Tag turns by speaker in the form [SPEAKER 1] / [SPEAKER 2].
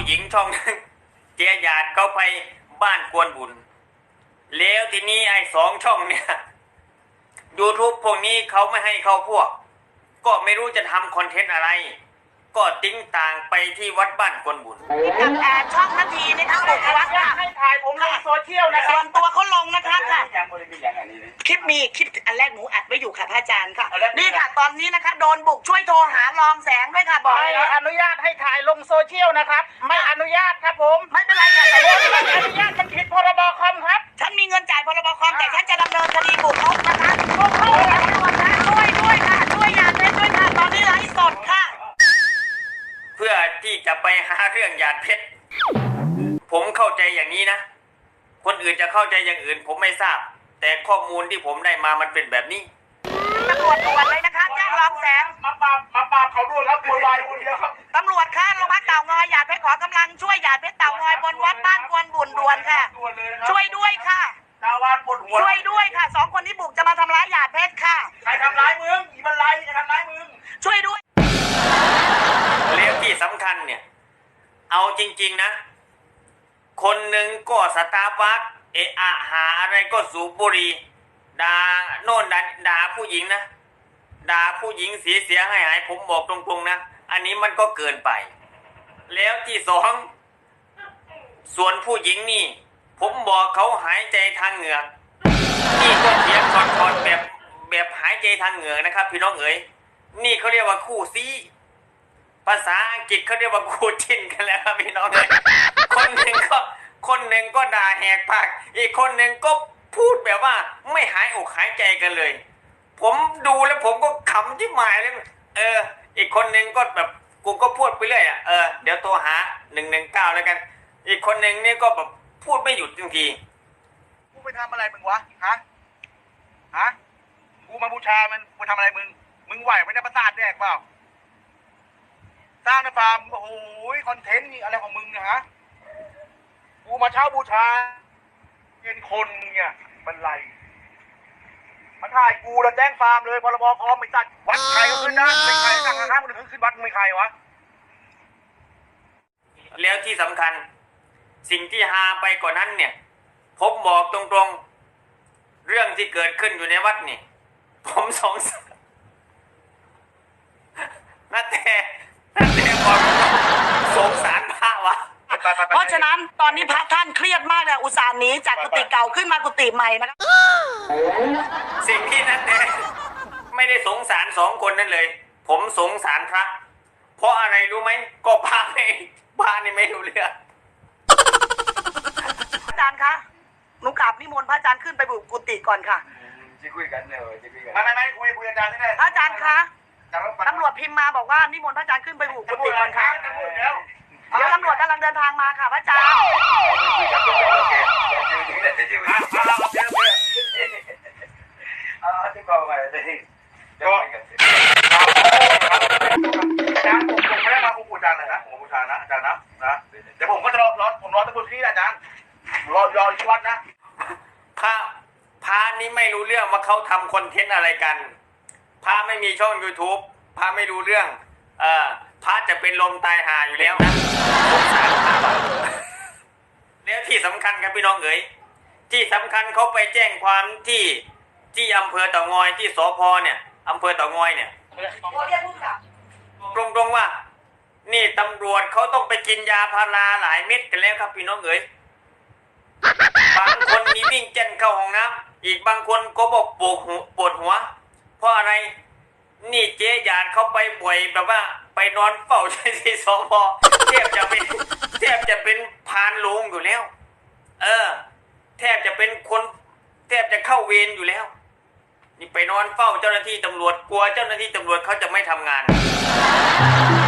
[SPEAKER 1] หญิงช่องนึงเจียหยาดเขาไปบ้านกวนบุญแล้วทีนี้ไอ้2 ช่องเนี่ย YouTube พวกนี้เขาไม่ให้เข้าพวกก็ไม่รู้จะทำคอนเทนต์อะไรก็ติ้งต่างไปที่วัดบ้านกวนบุญ
[SPEAKER 2] กับช่องนาทีนี่ค่ะบุกวัดค่ะ
[SPEAKER 3] ให้ถ่ายผมลงโซเชียลนะครับ
[SPEAKER 2] ส่วนตัวเขาลงนะคะค่ะคลิปอันแรกหนูอัดไว้อยู่ค่ะพระอาจารย์ค่ะนี่ค่ะตอนนี้นะคะโดนบุกช่วยโทรหารองแสงด้วยค่ะบอก
[SPEAKER 3] ไม่อนุญาตให้ถ่ายลงโซเชียลนะครับไม่อนุญาตครับผม
[SPEAKER 2] ไม่เป็นไรค่ะแต่ว่า
[SPEAKER 3] ไม่อนุญาตมันผิดพรบคอมครับ
[SPEAKER 2] ฉันมีเงินจ่ายพรบคอมแต่ฉันจะดำเนินคดีบุกรุกนะคะบุกรุกตำรวจนะด้วยค่ะด้วยอย่าเล่นด้วยค่ะตอนนี้ไลฟ์สดค่ะ
[SPEAKER 1] เพื่อที่จะไปหาเรื่องหยาดเพชรผมเข้าใจอย่างนี้นะคนอื่นจะเข้าใจอย่างอื่นผมไม่ทราบแต่ข้อมูลที่ผมได้มามันเป็นแบบนี้
[SPEAKER 2] ตำรวจด่วนเลยนะคะแจ้งรองแสง
[SPEAKER 3] มาปราบเขาด้วยครับโวยวายคนเดียวครับ
[SPEAKER 2] ตำรวจค่ะโรงพักเต่างอยหยาดเพชรขอกำลังช่วยหยาดเพชรเต่างอยบนวัดบ้านกวนบุญด่วนค่ะช่วยด้วยค่ะ
[SPEAKER 3] ชาวบ้านปวดหัว
[SPEAKER 2] ช่วยด้วยค่ะ2 คนที่บุกจะมาทำร้ายหยาดเพชรค่ะ
[SPEAKER 3] ใครทำร้ายมึงอีบันไลใครทำร้ายมึง
[SPEAKER 2] ช่วยด้วย
[SPEAKER 1] แล้วที่สำคัญเนี่ยเอาจริงๆนะคนหนึ่งก็สตาร์บัคเอะอะหาอะไรก็สูบบุหรี่ด่าโน่นด่าผู้หญิงนะด่าผู้หญิงเสียหายผมบอกตรงๆนะอันนี้มันก็เกินไปแล้วที่2ส่วนผู้หญิงนี่ผมบอกเขาหายใจทางเหงือกนี่ก็เถียงคอนแบบหายใจทางเหงือกนะครับพี่น้องเอ๋ยนี่เขาเรียกว่าคู่ซีภาษาอังกฤษเขาเรียกว่าคู่จิ้นกันแล้วครับพี่น้องเอ๋ยคนหนึ่งก็ด่าแหกปากอีกคนหนึ่งก็พูดแบบว่าไม่หายอกหายใจกันเลยผมดูแล้วผมก็ขำที่หมายเลยอีกคนหนึ่งก็แบบกูก็พูดไปเรื่อยเดี๋ยวโทรหา119แล้วกันอีกคนหนึ่งนี่ก็แบบพูดไม่หยุดจริง
[SPEAKER 3] ๆกูไปทำอะไรมึงวะฮะกูมาบูชามันกูทำอะไรมึงไหวไม่ได้ประสาทแดกเปล่าสร้างในฟาร์มโอ้โหคอนเทนต์นี่อะไรของมึงเนี่ยฮะกูมาเช่าบูชาเป็นคนเนี่ยมันไรมาถ่ายกูแล้วแจ้งฟาร์มเลยพรบคอมไม่ตัดวัดใครก็ขึ้นได้ไม่ใครสั่งห้ามคนอื่นขึ้นวัดไม่ใครวะ
[SPEAKER 1] แล้วที่สำคัญสิ่งที่ฮาไปกว่านั้นเนี่ยผมบอกตรงๆเรื่องที่เกิดขึ้นอยู่ในวัดนี่ผมสงสารน่าแต่บอกสงสารพระวะ
[SPEAKER 2] เพราะฉะนั้นตอนนี้พระท่านเครียดมากเลยอุตส่าห์หนีจากกุฏิเก่าขึ้นมากุฏิใหม่นะครับ
[SPEAKER 1] สิ่งที่นั่นแต่ไม่ได้สงสาร2 คนนั่นเลยผมสงสารพระเพราะอะไรรู้ไหมก็พระนี่ไม่รู้เรื่อง
[SPEAKER 2] อาจารย์คะหนูกราบนิมนต์พระอาจารย์ขึ้นไปบุกกุฏิก่อนค่ะ
[SPEAKER 3] จะคุยกันเลยจะคุยกันไม่คุยอาจารย์นี่เลย
[SPEAKER 2] พระอาจารย์คะตำรวจพิมพ์มาบอกว่านิมนต์พระอาจารย์ขึ้นไปบุกกุฏิก่อนค่ะเดี๋ยวตำรวจกำลังเดินทางมาค่ะพระอาจารย์
[SPEAKER 3] ที่กองไปเลยก็อาจารย์ผมไม่ได้มาบูชาเลยนะผมบูชานะอาจารย์นะเดี๋ยวผมก็จะผมรอตำรวจที่อาจารย์รอที่วัดนะ
[SPEAKER 1] พระนี่ไม่รู้เรื่องว่าเขาทำคอนเทนต์อะไรกันพระไม่มีช่อง YouTube พระไม่รู้เรื่องพระจะเป็นลมตายหาอยู่แล้วนะสงสารพระแล้วที่สำคัญครับพี่น้องเอ๋ยที่สำคัญเขาไปแจ้งความที่อำเภอเต่างอยที่สพเนี่ยอำเภอเต่างอยเนี่ยตรงๆว่านี่ตำรวจเขาต้องไปกินยาพาราหลายเม็ดกันแล้วครับพี่น้องเอ๋ยบางคนมีวิ่งเจนเข้าห้องน้ำอีกบางคนก็บอกปวดหัวเพราะอะไรนี่เจ๊หยาดเขาไปบ่อยแบบว่าไปนอนเฝ้าที่สพแทบจะเป็นพานโลงอยู่แล้วแทบจะเป็นคนแทบจะเข้าเวรอยู่แล้วนี่ไปนอนเฝ้าเจ้าหน้าที่ตำรวจกลัวเจ้าหน้าที่ตำรวจเขาจะไม่ทำงาน